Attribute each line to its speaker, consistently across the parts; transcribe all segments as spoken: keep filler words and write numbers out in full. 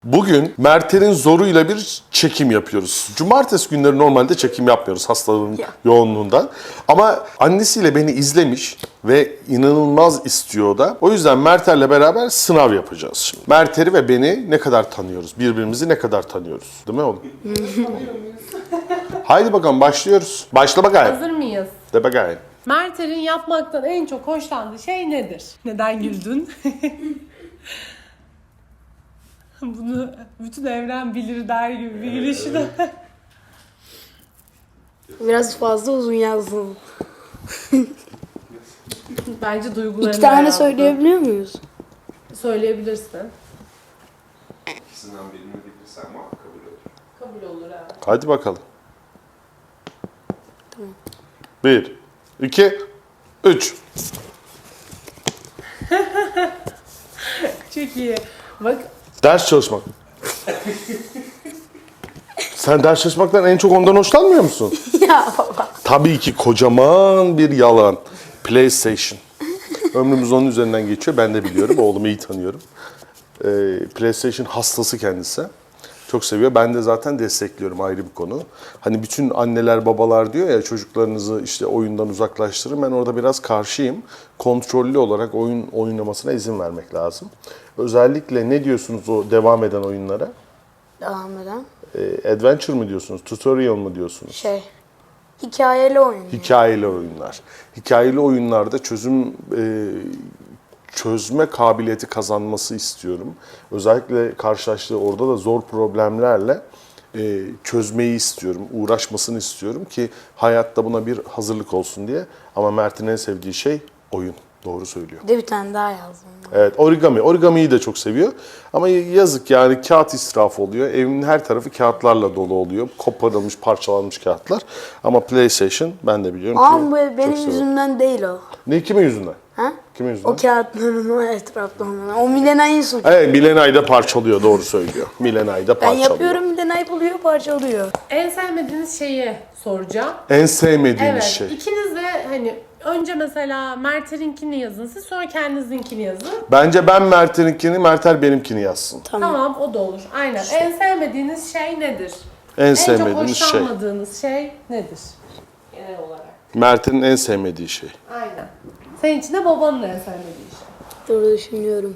Speaker 1: Bugün Mert'in zoruyla bir çekim yapıyoruz. Cumartesi günleri normalde çekim yapmıyoruz hastalığın
Speaker 2: Ya.
Speaker 1: yoğunluğundan. Ama annesiyle beni izlemiş ve inanılmaz istiyor da. O yüzden Mert'lerle beraber sınav yapacağız şimdi. Mert'i ve beni ne kadar tanıyoruz? Birbirimizi ne kadar tanıyoruz? Değil mi oğlum? Haydi bakalım başlıyoruz. Başla bakayım.
Speaker 3: Hazır mıyız?
Speaker 1: De bakayım.
Speaker 3: Mert'in yapmaktan en çok hoşlandığı şey nedir? Neden güldün? Bunu bütün evren bilir der gibi bir gülüşü de.
Speaker 2: Biraz fazla uzun yazdım.
Speaker 3: Bence duygularını
Speaker 2: İki tane
Speaker 3: yazdı.
Speaker 2: söyleyebiliyor muyuz?
Speaker 3: Söyleyebilirsin.
Speaker 1: İkisinden birini bilirsen ama kabul olur.
Speaker 3: Kabul olur evet.
Speaker 1: Hadi bakalım. Bir, iki, üç.
Speaker 3: Çok iyi. Bak
Speaker 1: Ders çalışmak. Sen ders çalışmaktan en çok ondan hoşlanmıyor musun?
Speaker 2: Ya baba.
Speaker 1: Tabii ki kocaman bir yalan. PlayStation. Ömrümüz onun üzerinden geçiyor. Ben de biliyorum. Oğlumu iyi tanıyorum. Ee, PlayStation hastası kendisi. Çok seviyor. Ben de zaten destekliyorum, ayrı bir konu. Hani bütün anneler babalar diyor ya çocuklarınızı işte oyundan uzaklaştırın. Ben orada biraz karşıyım. Kontrollü olarak oyun oynamasına izin vermek lazım. Özellikle ne diyorsunuz o devam eden oyunlara?
Speaker 2: Devam eden.
Speaker 1: Ee, adventure mı diyorsunuz? Tutorial mı diyorsunuz?
Speaker 2: Şey. Hikayeli oyun.
Speaker 1: Hikayeli oyunlar. Hikayeli oyunlarda çözüm e, çözme kabiliyeti kazanması istiyorum. Özellikle karşılaştığı orada da zor problemlerle e, çözmeyi istiyorum, uğraşmasını istiyorum ki hayatta buna bir hazırlık olsun diye. Ama Mert'in en sevdiği şey oyun. Doğru söylüyor.
Speaker 2: Bir de bir tane daha yazdım.
Speaker 1: Evet, origami. Origamiyi de çok seviyor. Ama yazık yani kağıt israfı oluyor. Evin her tarafı kağıtlarla dolu oluyor. Koparılmış, parçalanmış kağıtlar. Ama PlayStation ben de biliyorum
Speaker 2: Ama
Speaker 1: ki
Speaker 2: bu
Speaker 1: çok
Speaker 2: benim
Speaker 1: seviyorum.
Speaker 2: yüzümden değil o.
Speaker 1: Ne, kimin yüzünden?
Speaker 2: Ha?
Speaker 1: Kimin yüzünden?
Speaker 2: O kağıtların o etrafta olan. O Milenay'ın suçu.
Speaker 1: Evet, Milenay'da parçalıyor, doğru söylüyor. Milenay'da
Speaker 2: Ben
Speaker 1: parçalıyor.
Speaker 2: yapıyorum, Milenay buluyor, parçalıyor.
Speaker 3: en sevmediğiniz şeyi soracağım.
Speaker 1: En sevmediğiniz
Speaker 3: Evet.
Speaker 1: şey.
Speaker 3: İkiniz de hani önce mesela Mert'inkini yazın siz, sonra kendinizinkini yazın.
Speaker 1: Bence ben Mert'inkini, Mert'er benimkini yazsın.
Speaker 2: Tamam.
Speaker 3: Tamam, o da olur. Aynen. En sevmediğiniz şey nedir?
Speaker 1: En
Speaker 3: En
Speaker 1: sevmediğiniz
Speaker 3: çok
Speaker 1: şey.
Speaker 3: hoşlanmadığınız şey nedir? Genel olarak.
Speaker 1: Mert'in en sevmediği şey.
Speaker 3: Aynen. Senin için de babanın en sevmediği şey.
Speaker 2: Doğru düşünüyorum.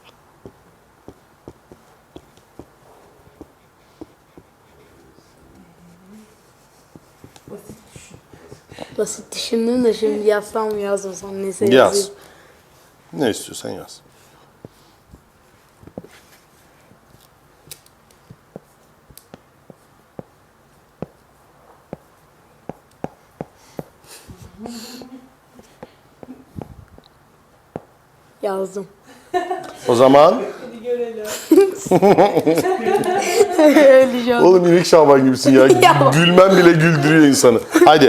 Speaker 3: Basit düşün.
Speaker 2: Basit düşündüm de şimdi yazsam mı yazmasam neyse
Speaker 1: Yaz.
Speaker 2: yazayım.
Speaker 1: Ne istiyorsan yaz.
Speaker 2: Yazdım.
Speaker 1: O zaman
Speaker 3: Hadi görelim.
Speaker 2: Öyle şu an.
Speaker 1: oğlum İnek Şaban gibisin ya.
Speaker 2: Ya.
Speaker 1: Gülmen bile güldürüyor insanı. Haydi.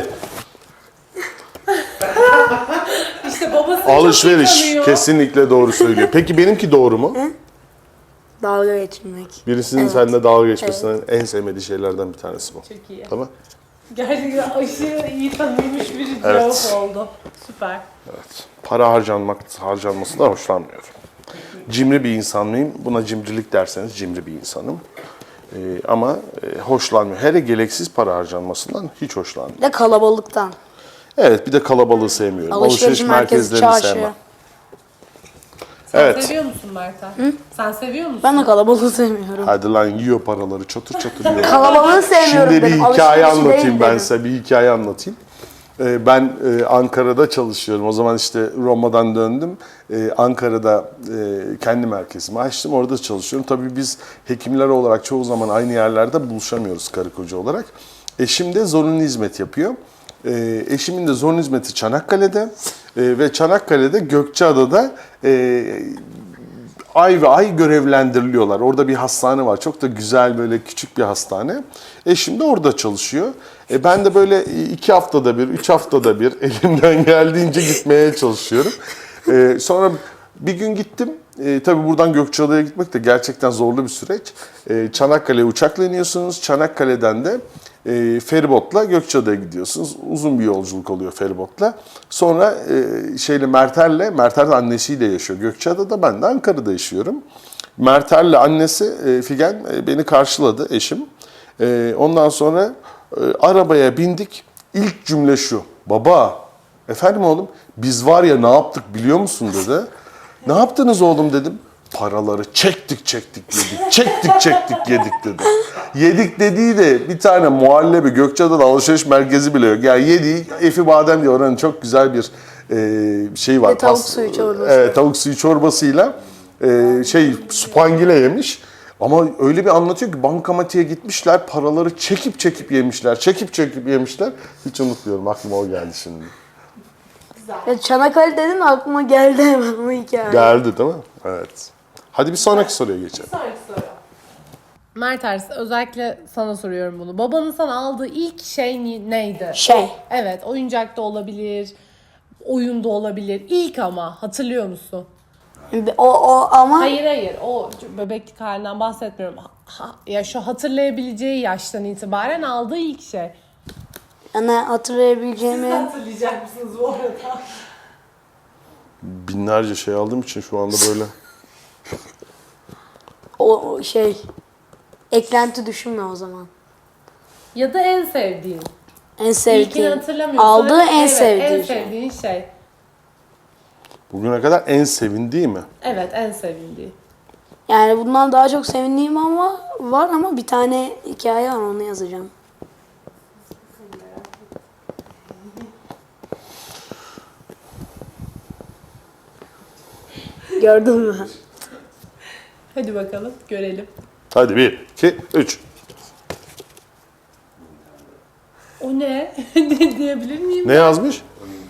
Speaker 3: İşte babası çok iyi
Speaker 1: Alışveriş.
Speaker 3: tanıyor.
Speaker 1: Kesinlikle doğru söylüyor. Peki benimki doğru mu?
Speaker 2: Dalga geçmek.
Speaker 1: Birisinin
Speaker 2: Evet.
Speaker 1: seninle dalga geçmesinden en sevmediği şeylerden bir tanesi bu.
Speaker 3: Çok iyi.
Speaker 1: Tamam.
Speaker 3: Gerçekten aşırı iyi tanınmış bir
Speaker 1: Evet.
Speaker 3: cevap oldu. Süper.
Speaker 1: Evet. Para harcanmak, harcanması da hoşlanmıyorum. Cimri bir insan mıyım? Buna cimrilik derseniz cimri bir insanım. Ee, ama e, hoşlanmıyor. Hele gereksiz para harcanmasından hiç hoşlanmıyorum.
Speaker 2: Bir de kalabalıktan.
Speaker 1: Evet, bir de kalabalığı sevmiyorum.
Speaker 2: Alışveriş merkezi,
Speaker 1: merkezlerini
Speaker 2: çarşı.
Speaker 1: sevmem.
Speaker 3: Sen
Speaker 1: Evet.
Speaker 3: seviyor musun Mert'e? Sen seviyor musun?
Speaker 2: Ben de kalabalığı sevmiyorum.
Speaker 1: Hadi lan yiyor paraları çatır çatır yiyor.
Speaker 2: Kalabalığı sevmiyorum
Speaker 1: Şimdi bir
Speaker 2: dedim.
Speaker 1: hikaye
Speaker 2: Alışverişi
Speaker 1: anlatayım
Speaker 2: değil
Speaker 1: ben
Speaker 2: dedim.
Speaker 1: size. Bir hikaye anlatayım. Ee, Ben e, Ankara'da çalışıyorum. O zaman işte Roma'dan döndüm. Ee, Ankara'da e, kendi merkezimi açtım. Orada çalışıyorum. Tabii biz hekimler olarak çoğu zaman aynı yerlerde buluşamıyoruz karı koca olarak. Eşim de zorunlu hizmet yapıyor. Ee, Eşimin de zorunlu hizmeti Çanakkale'de. Ee, Ve Çanakkale'de Gökçeada'da e, ay ve ay görevlendiriliyorlar. Orada bir hastane var. Çok da güzel böyle küçük bir hastane. Eşim de orada çalışıyor. E ben de böyle iki haftada bir, üç haftada bir elimden geldiğince gitmeye çalışıyorum. E, sonra bir gün gittim. E, tabii buradan Gökçeada'ya gitmek de gerçekten zorlu bir süreç. E, Çanakkale'ye uçakla iniyorsunuz. Çanakkale'den de e, feribotla Gökçeada'ya gidiyorsunuz. Uzun bir yolculuk oluyor feribotla. Sonra e, şeyle Merter'le, Merter de annesiyle yaşıyor Gökçeada'da. Ben de Ankara'da yaşıyorum. Mertel'le annesi e, Figen e, beni karşıladı, eşim. E, ondan sonra e, arabaya bindik. İlk cümle şu: baba, efendim oğlum, biz var ya ne yaptık biliyor musun dedi. Ne yaptınız oğlum dedim. Paraları çektik çektik yedik, çektik çektik yedik dedi. Yedik dediği de bir tane muhallebi, Gökçeada'da alışveriş merkezi bile yok. Yani yediği Efi Badem diye oranın çok güzel bir e, şey var.
Speaker 2: Ve tavuk
Speaker 1: Pas-
Speaker 2: suyu çorbası.
Speaker 1: Evet, tavuk suyu çorbasıyla e, şey supangile yemiş. Ama öyle bir anlatıyor ki bankamatiğe gitmişler, paraları çekip çekip yemişler, çekip çekip yemişler. Hiç unutmuyorum, aklıma o geldi şimdi.
Speaker 2: Ya Çanakkale dedin aklıma geldi hemen o hikaye.
Speaker 1: Geldi değil mi? Evet. Hadi bir sonraki soruya geçelim.
Speaker 3: Sonraki soru. Mert Ers, özellikle sana soruyorum bunu. Babanın sana aldığı ilk şey ni- neydi?
Speaker 2: Şey.
Speaker 3: Evet, oyuncak da olabilir, oyunda olabilir. İlk ama hatırlıyor musun?
Speaker 2: O, o ama
Speaker 3: Hayır hayır, o bebeklik halinden bahsetmiyorum. Ha- ya şu hatırlayabileceği yaştan itibaren aldığı ilk şey.
Speaker 2: yani hatırlayabileceğimi
Speaker 3: Hatırlayacak mısınız bu arada?
Speaker 1: Binlerce şey aldığım için şu anda böyle.
Speaker 2: o o şey eklenti düşünme o zaman.
Speaker 3: Ya da en sevdiğin.
Speaker 2: En
Speaker 3: İlkini
Speaker 2: sevdiğim.
Speaker 3: hatırlamıyorsun.
Speaker 2: Aldığı en
Speaker 3: Evet,
Speaker 2: sevdiği
Speaker 3: en
Speaker 2: şey.
Speaker 3: sevdiğin şey.
Speaker 1: Bugüne kadar en sevindiği mi?
Speaker 3: Evet, en sevindiği.
Speaker 2: Yani bundan daha çok sevindiğim ama var ama bir tane hikaye var onu yazacağım. Gördün mü?
Speaker 3: Hadi bakalım, görelim.
Speaker 1: Hadi bir, iki, üç.
Speaker 3: O ne? Ne diyebilir miyim?
Speaker 1: Ne yazmış?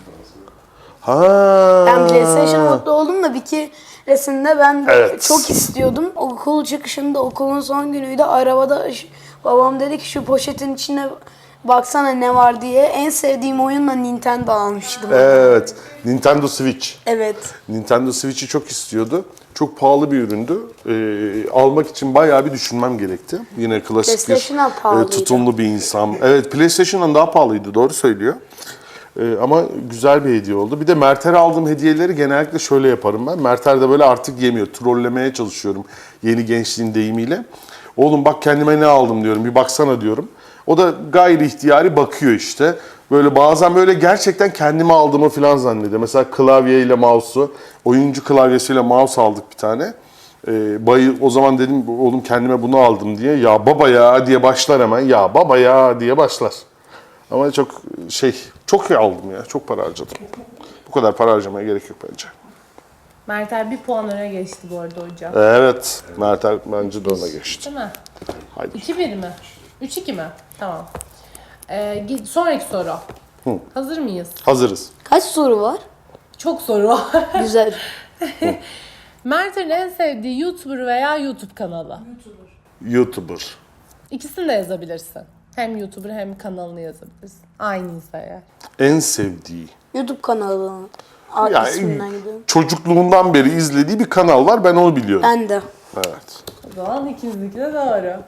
Speaker 1: Ha.
Speaker 2: Ben PlayStation mutlu oldum da bir keresinde ben de
Speaker 1: Evet.
Speaker 2: çok istiyordum. Okul çıkışında okulun son günüydü. Arabada ş- babam dedi ki şu poşetin içine baksana ne var diye. En sevdiğim oyunla Nintendo almıştım.
Speaker 1: Evet. Nintendo Switch.
Speaker 2: Evet.
Speaker 1: Nintendo Switch'i çok istiyordu. Çok pahalı bir üründü. Ee, almak için bayağı bir düşünmem gerekti. Yine klasik bir
Speaker 2: PlayStation'dan pahalıydı.
Speaker 1: e, tutumlu bir insan. Evet, PlayStation'dan daha pahalıydı, doğru söylüyor. Ee, ama güzel bir hediye oldu. Bir de Mert'e aldığım hediyeleri genellikle şöyle yaparım ben. Mert'er de böyle artık yemiyor. Trollemeye çalışıyorum yeni gençliğin deyimiyle. Oğlum bak kendime ne aldım diyorum. Bir baksana diyorum. O da gayri ihtiyari bakıyor işte. Böyle bazen böyle gerçekten kendime aldığımı falan zannediyor. Mesela klavyeyle mouse'u, oyuncu klavyesiyle mouse aldık bir tane. Ee, bayı, o zaman dedim oğlum kendime bunu aldım diye. Ya baba ya diye başlar hemen. Ya baba ya diye başlar. Ama çok şey, çok iyi aldım ya. Çok para harcadım. Bu kadar para harcamaya gerek yok bence.
Speaker 3: Mertel bir puan öne geçti bu arada hocam.
Speaker 1: Evet, Mertel bence de ona geçti.
Speaker 3: Değil mi?
Speaker 1: Haydi.
Speaker 3: iki bir mi? üç iki mi? Tamam. Ee, git- sonraki soru. Hazır mıyız?
Speaker 1: Hazırız.
Speaker 2: Kaç soru var?
Speaker 3: Çok soru var.
Speaker 2: Güzel.
Speaker 3: Mert'in en sevdiği YouTuber veya YouTube kanalı.
Speaker 1: YouTuber.
Speaker 3: İkisini de yazabilirsin. Hem YouTuber hem kanalını yazabilirsin. Aynıysa eğer.
Speaker 1: En sevdiği.
Speaker 2: YouTube kanalı. Aa,
Speaker 1: Yani
Speaker 2: isminden gidiyorum.
Speaker 1: çocukluğundan beri izlediği bir kanal var. Ben onu biliyorum.
Speaker 2: Ben de.
Speaker 1: Evet.
Speaker 3: O zaman ikinizinki de doğru.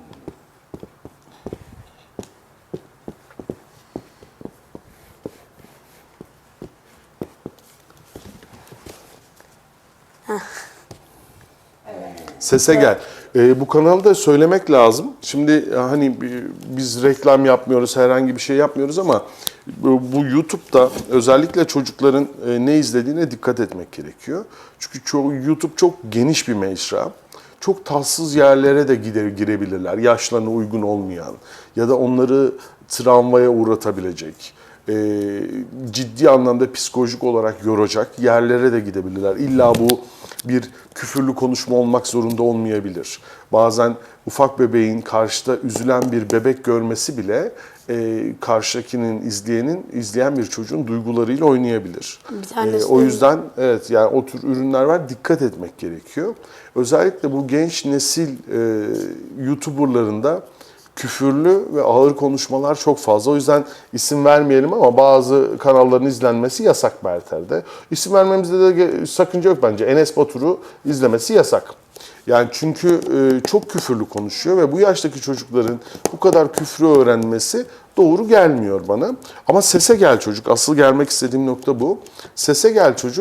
Speaker 1: Sese gel. Ee, bu kanalı da söylemek lazım. Şimdi e, hani bi- biz reklam yapmıyoruz, herhangi bir şey yapmıyoruz ama bu bu YouTube'da özellikle çocukların e, ne izlediğine dikkat etmek gerekiyor. Çünkü çoğu YouTube çok geniş bir mecra. Çok tatsız yerlere de gide, girebilirler. Yaşlarına uygun olmayan ya da onları travmaya uğratabilecek, e, ciddi anlamda psikolojik olarak yoracak yerlere de gidebilirler. İlla bu bir küfürlü konuşma olmak zorunda olmayabilir. Bazen ufak bebeğin karşıda üzülen bir bebek görmesi bile e, karşıdakinin, izleyenin, izleyen bir çocuğun duygularıyla oynayabilir.
Speaker 2: Bir tanesi
Speaker 1: E, o
Speaker 2: de-
Speaker 1: yüzden evet yani o tür ürünler var, dikkat etmek gerekiyor. Özellikle bu genç nesil e, YouTuber'larında küfürlü ve ağır konuşmalar çok fazla. O yüzden isim vermeyelim ama bazı kanalların izlenmesi yasak Berter'de. İsim vermemizde de ge- sakınca yok bence. Enes Batur'u izlemesi yasak. Yani çünkü e, çok küfürlü konuşuyor ve bu yaştaki çocukların bu kadar küfrü öğrenmesi doğru gelmiyor bana. Ama Sese Gel Çocuk, asıl gelmek istediğim nokta bu. Sese Gel Çocuk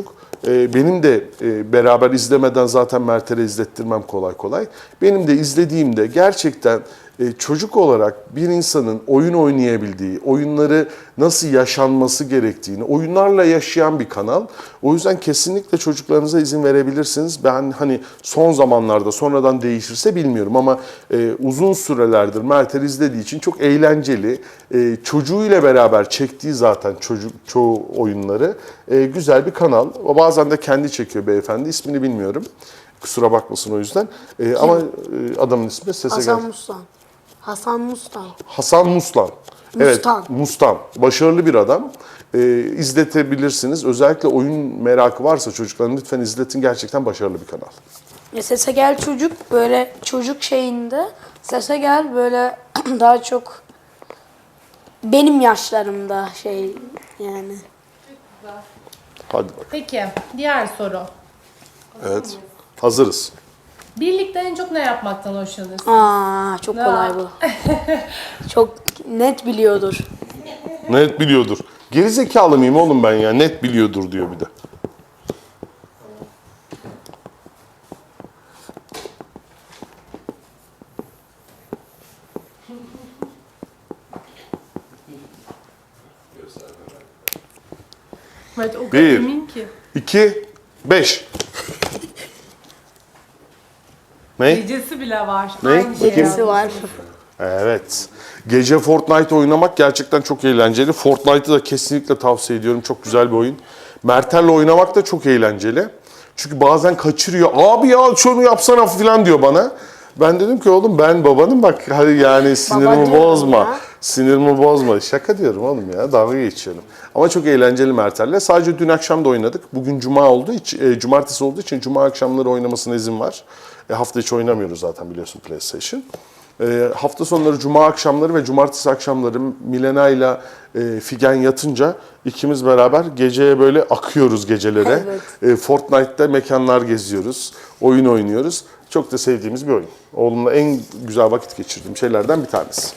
Speaker 1: e, benim de e, beraber izlemeden zaten Mert'e izlettirmem kolay kolay. Benim de izlediğimde gerçekten e, çocuk olarak bir insanın oyun oynayabildiği, oyunları nasıl yaşanması gerektiğini, oyunlarla yaşayan bir kanal. O yüzden kesinlikle çocuklarınıza izin verebilirsiniz. Ben hani son zamanlarda sonradan değişirse bilmiyorum ama e, uzun sürelerdir Mert'e izlediği için çok eğlenceli. E, çocuğuyla beraber çektiği zaten çocuk çoğu oyunları e, güzel bir kanal. O bazen de kendi çekiyor beyefendi. İsmini bilmiyorum. Kusura bakmasın o yüzden. E, ama e, adamın ismi sese
Speaker 2: Hasan
Speaker 1: gel.
Speaker 2: Mustan. Hasan Mustan.
Speaker 1: Hasan Muslan. Evet,
Speaker 2: Mustan.
Speaker 1: Mustan. Başarılı bir adam. Ee, izletebilirsiniz. Özellikle oyun merakı varsa çocukların lütfen izletin. Gerçekten başarılı bir kanal.
Speaker 2: Ya Sese Gel Çocuk böyle çocuk şeyinde. Sese Gel böyle daha çok benim yaşlarımda şey yani.
Speaker 1: Hadi bak.
Speaker 3: Peki, diğer soru.
Speaker 1: Evet. Hazırız.
Speaker 3: Birlikte en çok ne yapmaktan hoşlanırsın?
Speaker 2: Aa çok kolay bu. Çok net biliyordur.
Speaker 1: Net biliyordur. Gerizekalı mıyım oğlum ben ya? Net biliyordur diyor bir de.
Speaker 3: Evet, o kadar
Speaker 1: Bir.
Speaker 3: emin ki.
Speaker 1: İki, beş. Ne?
Speaker 3: Gecesi bile var.
Speaker 1: Ne?
Speaker 3: Aynı şey
Speaker 1: Bakayım.
Speaker 2: Gecesi var.
Speaker 1: Evet. Gece Fortnite oynamak gerçekten çok eğlenceli. Fortnite'ı da kesinlikle tavsiye ediyorum. Çok güzel bir oyun. Mertel'le oynamak da çok eğlenceli. Çünkü bazen kaçırıyor. Abi ya şunu yapsana falan diyor bana. Ben dedim ki oğlum ben babanım bak hadi yani sinirimi
Speaker 2: diyorum
Speaker 1: bozma.
Speaker 2: ya.
Speaker 1: Sinirimi bozma. Şaka diyorum oğlum ya. Dalga geçiyorum. Ama çok eğlenceli Mertel'le. Sadece dün akşam da oynadık. Bugün cuma olduğu için, e, cumartesi olduğu için cuma akşamları oynamasına izin var. E, hafta içi oynamıyoruz zaten biliyorsun PlayStation. E, hafta sonları cuma akşamları ve cumartesi akşamları Milena ile e, Figen yatınca ikimiz beraber geceye böyle akıyoruz gecelere.
Speaker 2: Evet.
Speaker 1: E, Fortnite'da mekanlar geziyoruz. Oyun oynuyoruz. Çok da sevdiğimiz bir oyun. Oğlumla en güzel vakit geçirdiğim şeylerden bir tanesi.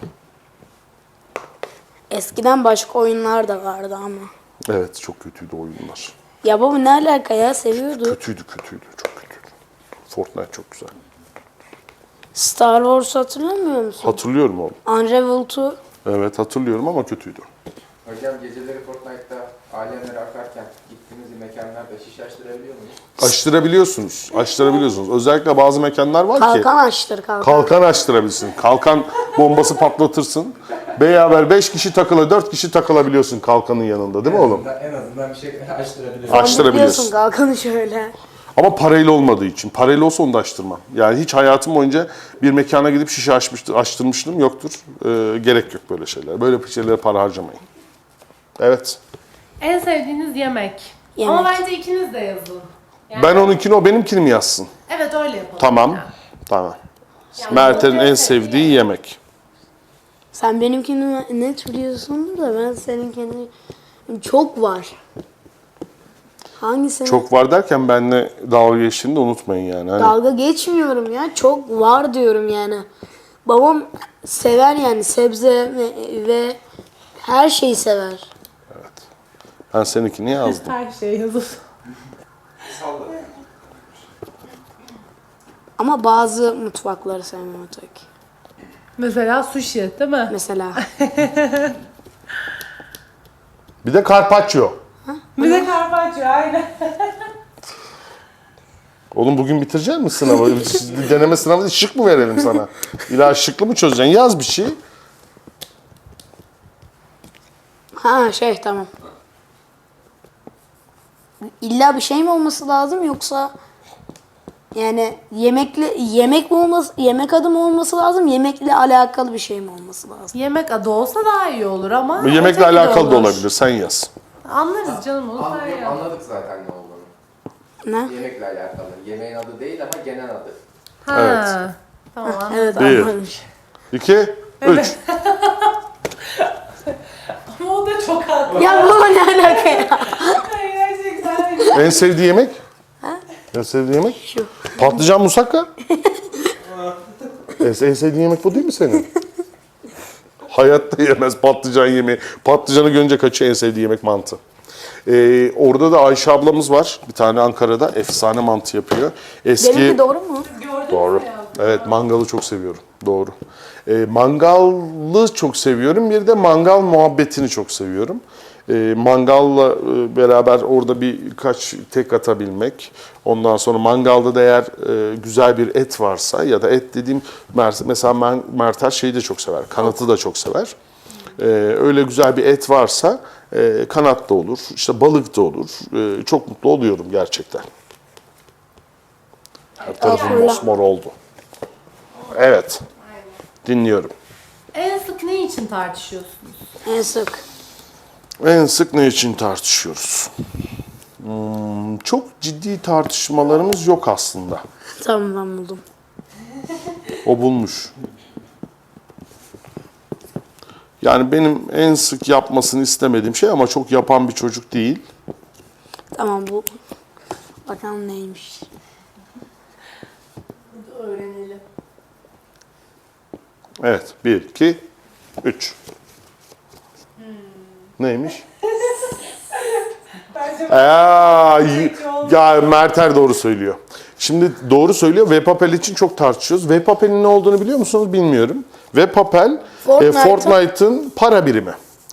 Speaker 2: Eskiden başka oyunlar da vardı ama.
Speaker 1: Evet çok kötüydü oyunlar.
Speaker 2: Ya baba ne alaka ya seviyordu.
Speaker 1: Kötüydü kötüydü çok kötüydü. Fortnite çok güzel.
Speaker 2: Star Wars hatırlamıyor musun?
Speaker 1: Hatırlıyorum oğlum.
Speaker 2: Unravel iki.
Speaker 1: Evet hatırlıyorum ama kötüydü.
Speaker 4: Hocam geceleri Fortnite'da alemlere akarken gittiğiniz mekanlarda şiş açtırabiliyor muyuz?
Speaker 1: Açtırabiliyorsunuz. Açtırabiliyorsunuz. Özellikle bazı mekanlar var ki
Speaker 2: Kalkan açtır kalkan.
Speaker 1: kalkan açtırabilirsin. Kalkan bombası patlatırsın. Beraber beş kişi takıla, dört kişi takılabiliyorsun kalkanın yanında değil mi oğlum?
Speaker 4: En azından bir şey açtırabiliyoruz.
Speaker 1: Aç- açtırabiliyorsun.
Speaker 2: Biliyorsun kalkanı şöyle.
Speaker 1: Ama parayla olmadığı için. Parayla olsa onu da açtırmam. Yani hiç hayatım boyunca bir mekana gidip şişe açmıştı, açtırmışlığım yoktur. Ee, gerek yok böyle şeyler. Böyle şeylere para harcamayın. Evet.
Speaker 3: En sevdiğiniz yemek.
Speaker 2: Yemek.
Speaker 3: Ama bence ikiniz de yazın. Yani-
Speaker 1: Ben onunkini o benimkini mi yazsın?
Speaker 3: Evet öyle yapalım.
Speaker 1: Tamam.
Speaker 3: Yani.
Speaker 1: Tamam.
Speaker 3: Yani
Speaker 1: Mert'in
Speaker 3: en
Speaker 1: en sevdiği yemek.
Speaker 2: Sen benimkini net biliyorsundur da ben seninkini çok var. Hangisini?
Speaker 1: Çok var derken benimle dalga geçtiğini de unutmayın yani. Hani
Speaker 2: Dalga geçmiyorum ya. Çok var diyorum yani. Babam sever yani sebze ve, ve her şeyi sever.
Speaker 1: ben seninkini yazdım.
Speaker 3: Her şey yazın.
Speaker 2: Ama bazı mutfakları sevmiyorum tabii ki.
Speaker 3: Mesela sushi değil mi?
Speaker 2: Mesela.
Speaker 1: Bir de carpaccio.
Speaker 3: Bir de carpaccio aynen.
Speaker 1: Oğlum bugün bitirecek misin sınavı? Deneme sınavı şık mı verelim sana? İlla şıklı mı çözeceksin? Yaz bir şey.
Speaker 2: Ha şey tamam. İlla bir şey mi olması lazım yoksa yani yemekle yemek mi olması yemek adı mı olması lazım yemekle alakalı bir şey mi olması lazım?
Speaker 3: Yemek adı olsa daha iyi olur ama.
Speaker 1: Bu yemekle
Speaker 3: öteki de
Speaker 1: alakalı da
Speaker 3: olur.
Speaker 1: olabilir. Sen yaz.
Speaker 3: Anlarız canım onu sen
Speaker 4: Anladık,
Speaker 3: yaz.
Speaker 4: anladık zaten ne olduğunu.
Speaker 2: Ne?
Speaker 4: Yemekle alakalı. Yemeğin adı değil ama genel adı.
Speaker 3: Ha.
Speaker 1: Evet.
Speaker 3: Tamam anladım.
Speaker 2: Evet
Speaker 1: Bir.
Speaker 2: anlamış.
Speaker 1: İki, üç.
Speaker 3: Ama o da çok haklı.
Speaker 2: Ya baba ne alaka ya?
Speaker 3: Gerçekten.
Speaker 1: En sevdiği yemek? En sevdiği yemek?
Speaker 2: Şu.
Speaker 1: Patlıcan musakka. en, en sevdiğin yemek bu değil mi senin? Hayatta yemez patlıcan yemeği. Patlıcanı görünce kaçıyor en sevdiği yemek mantı. Ee, orada da Ayşe ablamız var. Bir tane Ankara'da efsane mantı yapıyor. Eski
Speaker 2: Benimki doğru mu?
Speaker 1: Doğru. Evet, mangalı çok seviyorum. Doğru. Ee, mangalı çok seviyorum. Bir de mangal muhabbetini çok seviyorum. Ee, mangalla e, beraber orada birkaç tek atabilmek. Ondan sonra mangalda da eğer e, güzel bir et varsa ya da et dediğim mer- mesela men- Mertel şeyi de çok sever. Kanatı da çok sever. Ee, öyle güzel bir et varsa e, kanat da olur, işte balık da olur. Ee, çok mutlu oluyorum gerçekten. Her tarafım mosmor oldu. Evet. Dinliyorum.
Speaker 3: En sık ne için tartışıyorsunuz?
Speaker 2: En sık.
Speaker 1: En sık ne için tartışıyoruz? Hmm, çok ciddi tartışmalarımız yok aslında.
Speaker 2: Tamam, ben buldum.
Speaker 1: O bulmuş. Yani benim en sık yapmasını istemediğim şey ama çok yapan bir çocuk değil.
Speaker 2: Tamam, bu. Bakalım neymiş.
Speaker 3: Öğrenelim.
Speaker 1: Evet. Bir, iki, üç. Neymiş? Aa, y- ya Merter doğru söylüyor. Şimdi doğru söylüyor. Webapel için çok tartışıyoruz. Webapel'in ne olduğunu biliyor musunuz? Bilmiyorum. Webapel e,
Speaker 2: Fortnite'ın-
Speaker 1: Fortnite'ın para birimi.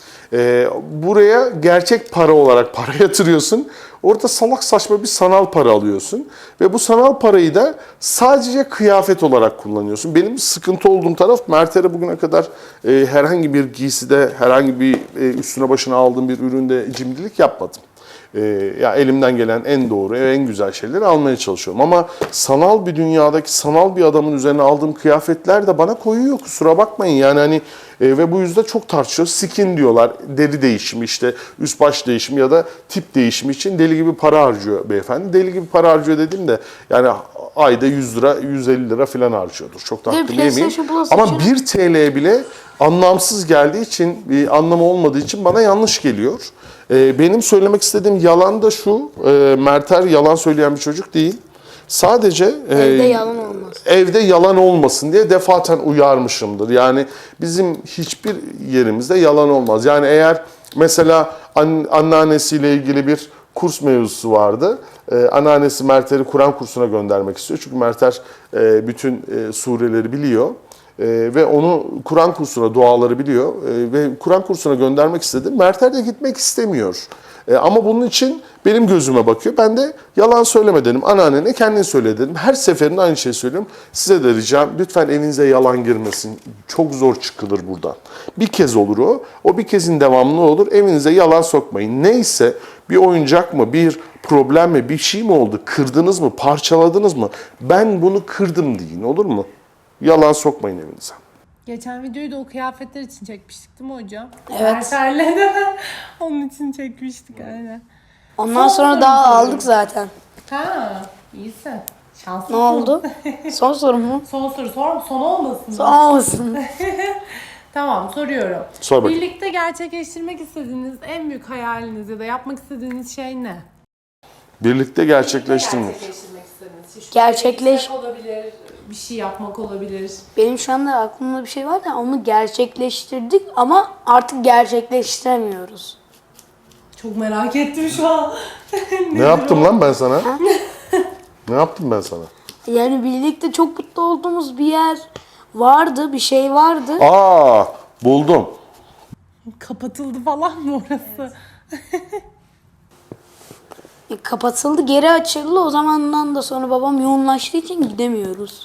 Speaker 1: E, buraya gerçek para olarak para yatırıyorsun. Orada salak saçma bir sanal para alıyorsun. Ve bu sanal parayı da sadece kıyafet olarak kullanıyorsun. Benim sıkıntı olduğum taraf, Mert'e bugüne kadar e, herhangi bir giyside, herhangi bir e, üstüne başına aldığım bir üründe cimrilik yapmadım. Ee, ya elimden gelen en doğru, en güzel şeyleri almaya çalışıyorum. Ama sanal bir dünyadaki sanal bir adamın üzerine aldığım kıyafetler de bana koyuyor. Kusura bakmayın yani hani e, ve bu yüzden çok tartışıyoruz. Skin diyorlar, deri değişimi işte üst baş değişimi ya da tip değişimi için deli gibi para harcıyor beyefendi. Deli gibi para harcıyor dediğimde yani ayda yüz lira, yüz elli lira falan harcıyordur. Çok da
Speaker 2: Bir de
Speaker 1: hakkını yemeyeyim.
Speaker 2: PlayStation Plus
Speaker 1: Ama
Speaker 2: için-
Speaker 1: bir T L bile anlamsız geldiği için, bir anlamı olmadığı için bana yanlış geliyor. Ee, benim söylemek istediğim yalan da şu, e, Merter yalan söyleyen bir çocuk değil. Sadece e,
Speaker 2: Evde yalan olmaz.
Speaker 1: evde yalan olmasın diye defaten uyarmışımdır. Yani bizim hiçbir yerimizde yalan olmaz. Yani eğer mesela an, anneannesiyle ilgili bir kurs mevzusu vardı. Ee, anneannesi Merter'i Kur'an kursuna göndermek istiyor. Çünkü Merter e, bütün e, sureleri biliyor. Ee, ve onu Kur'an kursuna, duaları biliyor ee, ve Kur'an kursuna göndermek istedim. Merter de gitmek istemiyor. Ee, ama bunun için benim gözüme bakıyor. Ben de yalan söyleme dedim. Anneannene kendin söyle dedim. Her seferinde aynı şeyi söylüyorum. Size de ricam lütfen evinize yalan girmesin. Çok zor çıkılır buradan. Bir kez olur o. O bir kezin devamlı olur. Evinize yalan sokmayın. Neyse bir oyuncak mı, bir problem mi, bir şey mi oldu? Kırdınız mı, parçaladınız mı? Ben bunu kırdım deyin, olur mu? Yalan sokmayın evinize.
Speaker 3: Geçen videoyu da o kıyafetler için çekmiştik değil mi hocam?
Speaker 2: Evet.
Speaker 3: Mertel'le de onun için çekmiştik aynen.
Speaker 2: Ondan
Speaker 3: Son
Speaker 2: sonra
Speaker 3: soru
Speaker 2: daha
Speaker 3: soruyorum.
Speaker 2: aldık zaten.
Speaker 3: Ha, iyisin. Şanslısın.
Speaker 2: Ne oldu? Son soru mu?
Speaker 3: Son soru sor. Son olmasın.
Speaker 2: Son olmasın.
Speaker 3: Tamam, soruyorum.
Speaker 1: Sor bakayım.
Speaker 3: Birlikte gerçekleştirmek istediğiniz en büyük hayaliniz ya da yapmak istediğiniz şey ne?
Speaker 1: Birlikte gerçekleştirmek.
Speaker 3: Gerçekleştirmek istediğiniz şey. Şu
Speaker 2: Gerçekleş-
Speaker 3: gitmek olabilir, bir şey yapmak olabilir.
Speaker 2: Benim şu anda aklımda bir şey var da onu gerçekleştirdik ama artık gerçekleştiremiyoruz.
Speaker 3: Çok merak ettim şu an.
Speaker 1: Ne yaptım lan ben sana? Ne yaptım ben sana?
Speaker 2: Yani birlikte çok mutlu olduğumuz bir yer vardı, bir şey vardı.
Speaker 1: Aa, buldum.
Speaker 3: Kapatıldı falan mı orası?
Speaker 2: E, kapatıldı, geri açıldı. O zamandan da sonra babam yoğunlaştığı için gidemiyoruz.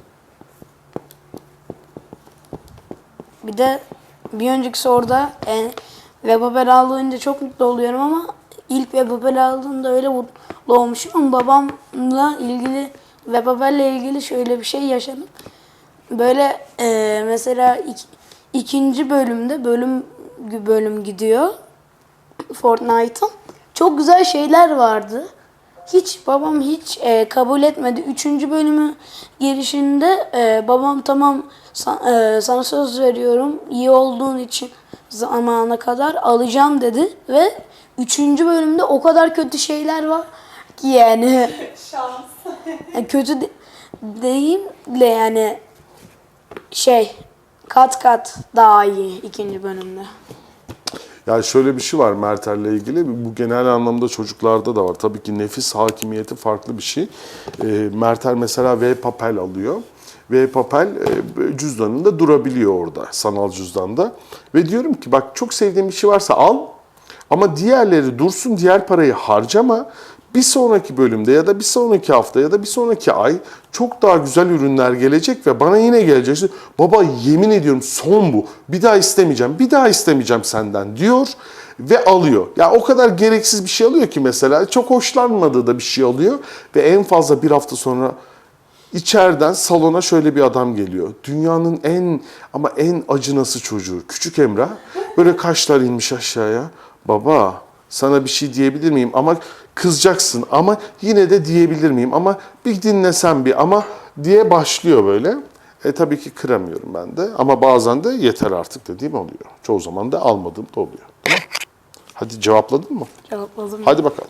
Speaker 2: Bir de bir önceki orada e, Webapel aldığında çok mutlu oluyorum ama ilk Webapel aldığımda öyle mutlu olmuşum ama babamla ilgili Webapel'le ilgili şöyle bir şey yaşadım. Böyle e, mesela ik- ikinci bölümde bölüm bölüm gidiyor Fortnite'ın. Çok güzel şeyler vardı. Hiç babam hiç e, kabul etmedi. Üçüncü bölümü girişinde e, babam tamam sa- e, sana söz veriyorum iyi olduğun için zamana kadar alacağım dedi ve üçüncü bölümde o kadar kötü şeyler var ki yani
Speaker 3: Şans.
Speaker 2: yani kötü de- değil de yani şey kat kat daha iyi ikinci bölümde.
Speaker 1: Yani şöyle bir şey var Mertel'le ilgili. Bu genel anlamda çocuklarda da var. Tabii ki nefis hakimiyeti farklı bir şey. E, Mertel mesela V-Papel alıyor. V-Papel e, cüzdanında durabiliyor orada. Sanal cüzdanda. Ve diyorum ki bak çok sevdiğin bir şey varsa al. Ama diğerleri dursun, diğer parayı harcama. Bir sonraki bölümde ya da bir sonraki hafta ya da bir sonraki ay çok daha güzel ürünler gelecek ve bana yine gelecek. Baba yemin ediyorum son bu. Bir daha istemeyeceğim, bir daha istemeyeceğim senden diyor ve alıyor. Ya o kadar gereksiz bir şey alıyor ki mesela çok hoşlanmadığı da bir şey alıyor ve en fazla bir hafta sonra İçeriden salona şöyle bir adam geliyor. Dünyanın en ama en acınası çocuğu. Küçük Emrah. Böyle kaşlar inmiş aşağıya. Baba sana bir şey diyebilir miyim? Ama kızacaksın ama yine de diyebilir miyim? Ama bir dinlesen bir ama diye başlıyor böyle. E tabii ki kıramıyorum ben de. Ama bazen de yeter artık dediğim oluyor. Çoğu zaman da almadığım da oluyor. Tamam. Hadi cevapladın mı?
Speaker 2: Cevapladım.
Speaker 1: Hadi bakalım.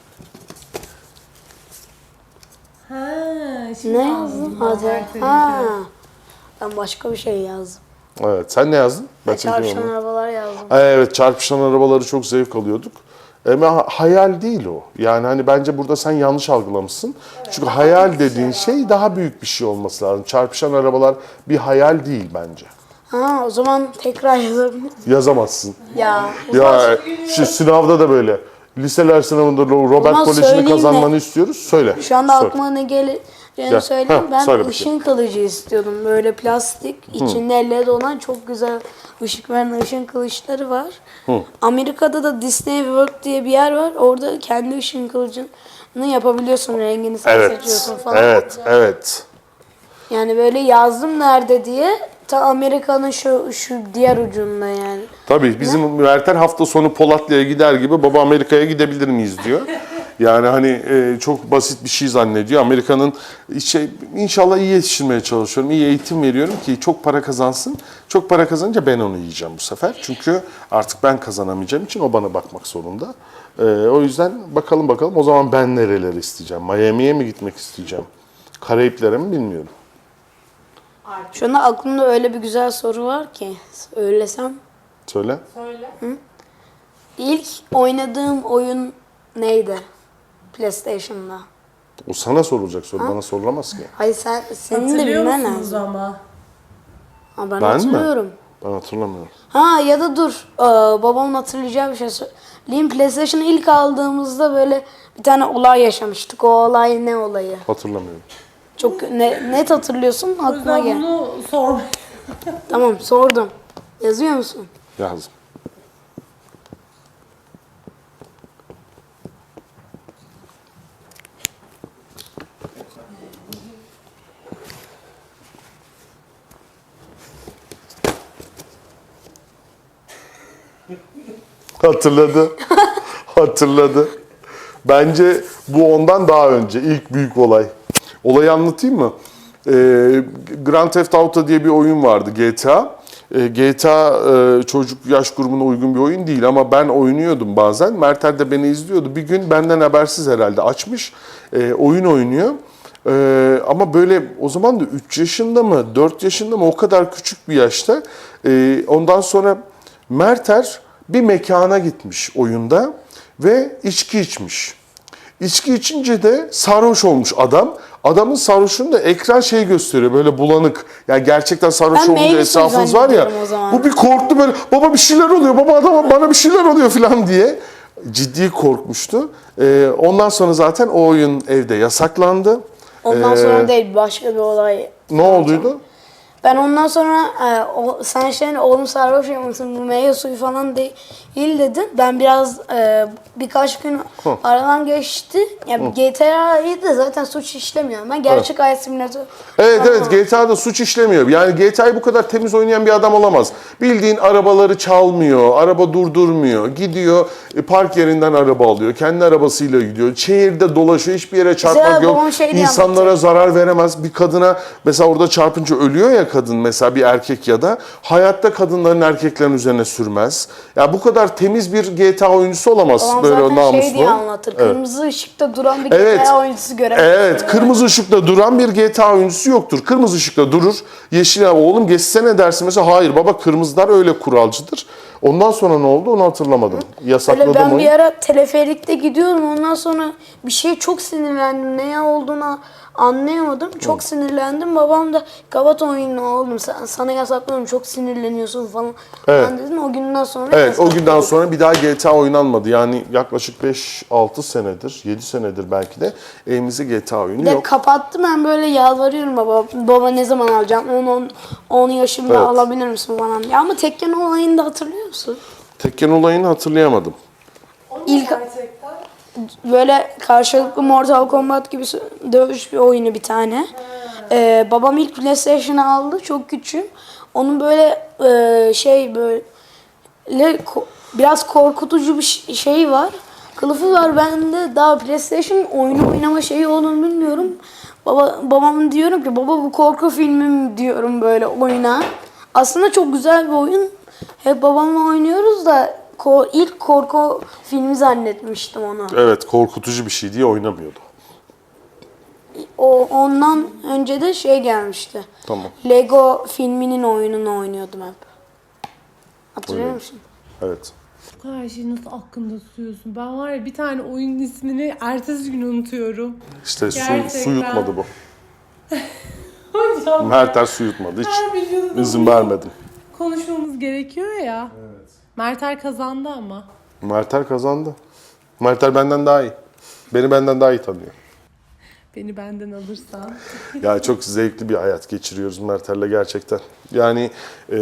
Speaker 3: Ha, şimdi
Speaker 2: Ne
Speaker 3: anladım
Speaker 2: yazdın?
Speaker 3: ben
Speaker 2: Hadi.
Speaker 3: Mert'in
Speaker 2: Ha.
Speaker 3: hikayesini.
Speaker 2: Ben başka bir şey yazdım.
Speaker 1: Evet sen ne yazdın? Ben
Speaker 2: Çarpışan
Speaker 1: çekiyorum onu.
Speaker 2: arabalar yazdım.
Speaker 1: Evet, çarpışan arabaları çok zevk alıyorduk. Ama hayal değil o. Yani hani bence burada sen yanlış algılamışsın. Çünkü hayal dediğin şey daha büyük bir şey olması lazım. Çarpışan arabalar bir hayal değil bence.
Speaker 2: Ha o zaman tekrar yazabilirim.
Speaker 1: Yazamazsın.
Speaker 2: Ya.
Speaker 1: Ya şu sınavda da böyle. Liseler sınavında Robert
Speaker 2: Ama
Speaker 1: Koleji'ni
Speaker 2: söyleyeyim
Speaker 1: kazanmanı
Speaker 2: de-
Speaker 1: istiyoruz. Söyle.
Speaker 2: Şu anda
Speaker 1: Sor.
Speaker 2: aklıma ne geleceğini
Speaker 1: Gel.
Speaker 2: söyleyeyim.
Speaker 1: Heh,
Speaker 2: Ben
Speaker 1: söyle bakayım.
Speaker 2: ışın kılıcı istiyordum. Böyle plastik, içinde led olan çok güzel ışık veren ışın kılıçları var. Amerika'da da Disney World diye bir yer var. Orada kendi ışın kılıcını yapabiliyorsun. Rengini sen
Speaker 1: Evet.
Speaker 2: seçiyorsun falan.
Speaker 1: Evet, evet.
Speaker 2: Yani böyle yazdım nerede diye. Ta Amerika'nın şu şu diğer ucunda yani.
Speaker 1: Tabii bizim Mertel hafta sonu Polatlı'ya gider gibi baba Amerika'ya gidebilir miyiz diyor. Yani hani e, çok basit bir şey zannediyor. Amerika'nın şey, inşallah iyi yetiştirmeye çalışıyorum. İyi eğitim veriyorum ki çok para kazansın. Çok para kazanınca ben onu yiyeceğim bu sefer. Çünkü artık ben kazanamayacağım için o bana bakmak zorunda. E, o yüzden bakalım bakalım o zaman ben nereleri isteyeceğim? Miami'ye mi gitmek isteyeceğim? Karayiplere mi bilmiyorum.
Speaker 2: Şu anda aklımda öyle bir güzel soru var ki. Söylesem.
Speaker 1: Söyle.
Speaker 3: Söyle.
Speaker 2: İlk oynadığım oyun neydi? PlayStation'da.
Speaker 1: O sana sorulacak soru. Bana sorulamaz ki.
Speaker 2: Hayır sen senin de
Speaker 3: Hatırlıyor
Speaker 2: bilmen
Speaker 3: musunuz
Speaker 2: lazım.
Speaker 3: ama?
Speaker 2: Ha, ben,
Speaker 1: Ben mi?
Speaker 2: hatırlıyorum.
Speaker 1: Ben hatırlamıyorum.
Speaker 2: Ha ya da dur. Ee, babamın hatırlayacağı bir şey söyleyeyim. PlayStation'ı ilk aldığımızda böyle bir tane olay yaşamıştık. O olay ne olayı?
Speaker 1: Hatırlamıyorum.
Speaker 2: Çok ne, net hatırlıyorsun.
Speaker 3: O
Speaker 2: Aklıma
Speaker 3: yüzden
Speaker 2: gel.
Speaker 3: bunu sormak.
Speaker 2: Tamam sordum. Yazıyor musun?
Speaker 1: Yazdım. Hatırladı. Hatırladı. Bence bu ondan daha önce. İlk büyük olay. Olayı anlatayım mı? Ee, Grand Theft Auto diye bir oyun vardı. G T A. Ee, G T A e, çocuk yaş grubuna uygun bir oyun değil ama ben oynuyordum bazen. Mertel de beni izliyordu. Bir gün benden habersiz herhalde açmış. Ee, oyun oynuyor. Ee, ama böyle o zaman da üç yaşında mı dört yaşında mı o kadar küçük bir yaşta. Ee, ondan sonra Merter bir mekana gitmiş oyunda ve içki içmiş. İçki içince de sarhoş olmuş adam. Adamın sarhoşluğunda ekran şey gösteriyor böyle bulanık. Yani gerçekten sarhoş
Speaker 2: Ben
Speaker 1: olunca
Speaker 2: meyve
Speaker 1: etrafınız
Speaker 2: suyu
Speaker 1: var ya.
Speaker 2: zannediyorum o zaman.
Speaker 1: Bu bir korktu böyle baba bir şeyler oluyor baba adama bana bir şeyler oluyor falan diye. Ciddi korkmuştu. Ee, ondan sonra zaten o oyun evde yasaklandı.
Speaker 2: Ondan
Speaker 1: Ee,
Speaker 2: sonra değil başka bir olay.
Speaker 1: Ne olduydu?
Speaker 2: Ben ondan sonra e, o, sen şey oğlum sarhoş yapmışsın bu meyve suyu falan değil dedin. Ben biraz e, birkaç gün aradan geçti. Yani G T A'yı da zaten suç işlemiyor. Ben gerçek hayat simülatörü.
Speaker 1: Evet evet G T A'da suç işlemiyor. Yani G T A'yı bu kadar temiz oynayan bir adam olamaz. Bildiğin arabaları çalmıyor, araba durdurmuyor. Gidiyor e, park yerinden araba alıyor. Kendi arabasıyla gidiyor. Şehirde dolaşıyor. Hiçbir yere çarpmak
Speaker 2: Mesela
Speaker 1: yok.
Speaker 2: babam şey diye
Speaker 1: İnsanlara
Speaker 2: anlatıyor.
Speaker 1: zarar veremez. Bir kadına mesela orada çarpınca ölüyor ya kadın mesela bir erkek ya da hayatta kadınların erkeklerin üzerine sürmez. Ya bu kadar temiz bir G T A oyuncusu olamaz
Speaker 2: Babam
Speaker 1: böyle
Speaker 2: zaten
Speaker 1: namuslu.
Speaker 2: şey diye anlatır.
Speaker 1: Evet.
Speaker 2: Kırmızı ışıkta duran bir
Speaker 1: Evet.
Speaker 2: G T A oyuncusu göremez.
Speaker 1: Evet, kırmızı ışıkta duran bir G T A oyuncusu yoktur. Kırmızı ışıkta durur. Yeşil ya oğlum geçsene dersin mesela. Hayır baba, kırmızılar öyle kuralcıdır. Ondan sonra ne oldu onu hatırlamadım.
Speaker 2: Böyle
Speaker 1: Yasakladım
Speaker 2: ben
Speaker 1: onu.
Speaker 2: bir ara teleferikte gidiyorum, ondan sonra bir şeye çok sinirlendim. Ne olduğunu anlayamadım. Çok sinirlendim. Babam da kapat oyunu oğlum, sen, sana yasaklıyorum, çok sinirleniyorsun falan.
Speaker 1: Evet.
Speaker 2: Ben dedim o günden sonra
Speaker 1: Evet, o günden
Speaker 2: yasakladık.
Speaker 1: sonra bir daha G T A oynanmadı. Yani yaklaşık beş altı senedir, yedi senedir belki de evimizde G T A oyunu
Speaker 2: Bir de
Speaker 1: yok.
Speaker 2: kapattım, ben böyle yalvarıyorum baba. Baba ne zaman alacağım? on on yaşımda
Speaker 1: Evet.
Speaker 2: alabilir misin falan diye. Ama Tekken olayını da hatırlıyor musun?
Speaker 1: Tekken olayını hatırlayamadım.
Speaker 2: İlk
Speaker 3: Gerçekten.
Speaker 2: böyle karşılıklı Mortal Kombat gibi dövüş bir oyunu bir tane. Ee, babam ilk PlayStation'ı aldı, çok küçüğüm. Onun böyle e, şey böyle ko- biraz korkutucu bir ş- şey var. Kılıfı var, ben de daha PlayStation oyunu oynama şeyi olduğunu bilmiyorum. Baba babam diyorum ki baba bu korku filmi mi diyorum böyle oyuna. Aslında çok güzel bir oyun. Hep babamla oynuyoruz da ko- ilk korku filmi zannetmiştim onu.
Speaker 1: Evet, korkutucu bir şey diye oynamıyordu.
Speaker 2: O ondan önce de şey gelmişti.
Speaker 1: Tamam.
Speaker 2: Lego filminin oyununu oynuyordum hep. Hatırlıyor
Speaker 1: Öyle.
Speaker 2: musun?
Speaker 1: Evet.
Speaker 3: Bu kadar şeyi nasıl aklında tutuyorsun? Ben var ya bir tane oyunun ismini ertesi gün unutuyorum.
Speaker 1: İşte su,
Speaker 3: Gerçekten.
Speaker 1: su yutmadı bu.
Speaker 3: Hocam
Speaker 1: Mertler su yutmadı. Hiç
Speaker 3: her videoda
Speaker 1: izin
Speaker 3: bunu
Speaker 1: vermedim.
Speaker 3: konuşmamız gerekiyor ya. Evet. Mertel kazandı ama.
Speaker 1: Mertler kazandı. Mertler benden daha iyi. Beni benden daha iyi tanıyor.
Speaker 3: Beni benden alırsan.
Speaker 1: Ya çok zevkli bir hayat geçiriyoruz Mertel'le gerçekten. Yani e,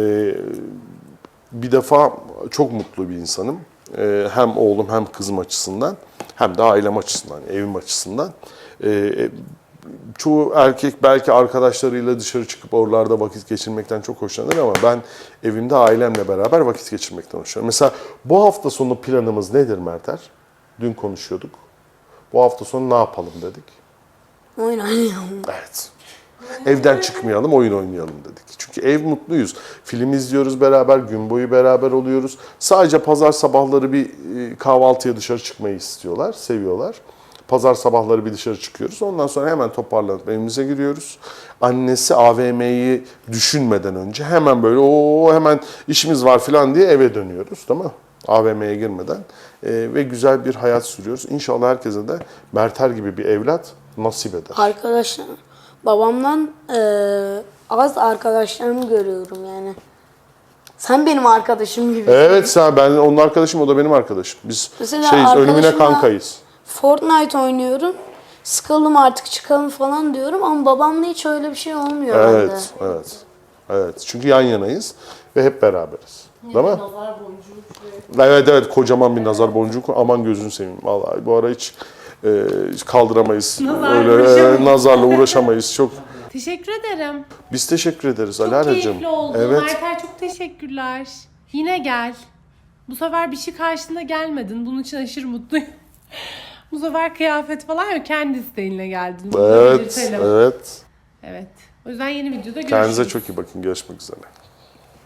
Speaker 1: bir defa çok mutlu bir insanım. E, hem oğlum hem kızım açısından hem de ailem açısından, evim açısından. E, çoğu erkek belki arkadaşlarıyla dışarı çıkıp oralarda vakit geçirmekten çok hoşlanır ama ben evimde ailemle beraber vakit geçirmekten hoşlanıyorum. Mesela bu hafta sonu planımız nedir Merter? Dün konuşuyorduk. Bu hafta sonu ne yapalım dedik.
Speaker 2: Oyun oynayalım.
Speaker 1: Evet. Evden çıkmayalım, oyun oynayalım dedik. Çünkü ev mutluyuz. Film izliyoruz beraber, gün boyu beraber oluyoruz. Sadece pazar sabahları bir e, kahvaltıya dışarı çıkmayı istiyorlar, seviyorlar. Pazar sabahları bir dışarı çıkıyoruz. Ondan sonra hemen toparlanıp evimize giriyoruz. Annesi A V M'yi düşünmeden önce hemen böyle o hemen işimiz var falan diye eve dönüyoruz, değil mi? A V M'ye girmeden E, ve güzel bir hayat sürüyoruz. İnşallah herkese de Merter gibi bir evlat nasip eder.
Speaker 2: Arkadaşlar, babamdan eee, az arkadaşlarımı görüyorum yani. Sen benim arkadaşım gibi.
Speaker 1: Evet, sen ben onun arkadaşım, o da benim arkadaşım. Biz
Speaker 2: Mesela
Speaker 1: şeyiz, ölümüne
Speaker 2: arkadaşımla-
Speaker 1: kankayız.
Speaker 2: Fortnite oynuyorum. Sıkıldım artık çıkalım falan diyorum ama babamla hiç öyle bir şey olmuyor bende.
Speaker 1: Evet, evet. Evet. Çünkü yan yanayız ve hep beraberiz. Değil mi?
Speaker 3: Nazar boncuğu.
Speaker 1: Evet evet, kocaman bir nazar boncuğu. Aman gözünü seveyim. Vallahi bu ara hiç, e, hiç kaldıramayız.
Speaker 3: Nazarla
Speaker 1: Öyle e,
Speaker 3: uğraşamayız.
Speaker 1: nazarla uğraşamayız. Çok
Speaker 3: Teşekkür ederim.
Speaker 1: biz teşekkür ederiz
Speaker 3: Çok
Speaker 1: Alara'cığım.
Speaker 3: keyifli oldu.
Speaker 1: Evet.
Speaker 3: Mertel çok teşekkürler. Yine gel. Bu sefer bir şey karşında gelmedin. Bunun için aşırı mutluyum. Bu sefer kıyafet falan yok. Kendi isteğinle geldin. Bunu da
Speaker 1: Evet,
Speaker 3: belirtelim.
Speaker 1: evet.
Speaker 3: Evet. O yüzden yeni videoda görüşürüz.
Speaker 1: Kendinize çok iyi bakın. Görüşmek üzere.